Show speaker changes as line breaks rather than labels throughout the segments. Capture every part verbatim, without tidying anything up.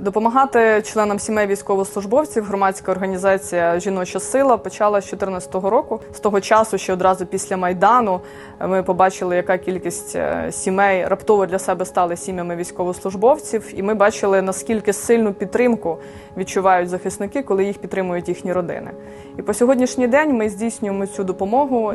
Допомагати членам сімей військовослужбовців громадська організація «Жіноча сила» почала з дві тисячі чотирнадцятого року. З того часу, ще одразу після Майдану, ми побачили, яка кількість сімей раптово для себе стали сім'ями військовослужбовців. І ми бачили, наскільки сильну підтримку відчувають захисники, коли їх підтримують їхні родини. І по сьогоднішній день ми здійснюємо цю допомогу.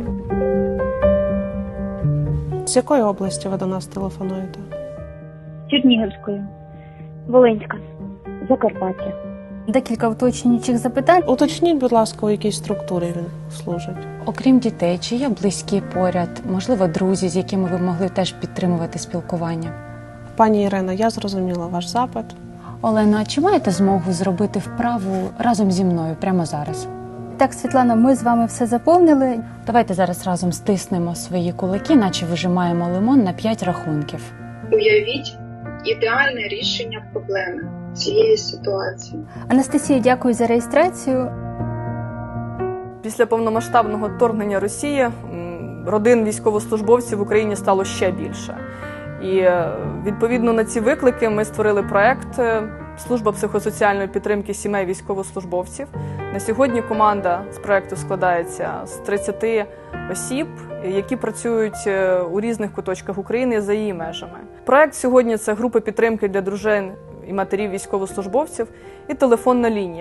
З якої області ви до нас телефонуєте?
Чернігівської, Волинська, Закарпаття.
Декілька уточнюючих запитань.
Уточніть, будь ласка, у якій структурі він служить.
Окрім дітей, чи є близькі поряд, можливо, друзі, з якими ви могли теж підтримувати спілкування?
Пані Ірина, я зрозуміла ваш запит.
Олена, а чи маєте змогу зробити вправу разом зі мною прямо зараз?
Так, Світлана, ми з вами все заповнили.
Давайте зараз разом стиснемо свої кулаки, наче вижимаємо лимон на п'ять рахунків.
Уявіть ідеальне рішення проблеми цієї ситуації.
Анастасія, дякую за реєстрацію.
Після повномасштабного вторгнення Росії родин військовослужбовців в Україні стало ще більше. І відповідно на ці виклики ми створили проект «Служба психосоціальної підтримки сімей військовослужбовців». На сьогодні команда з проекту складається з тридцяти осіб, які працюють у різних куточках України за її межами. Проект сьогодні – це групи підтримки для дружин і матерів військовослужбовців і телефонна лінія.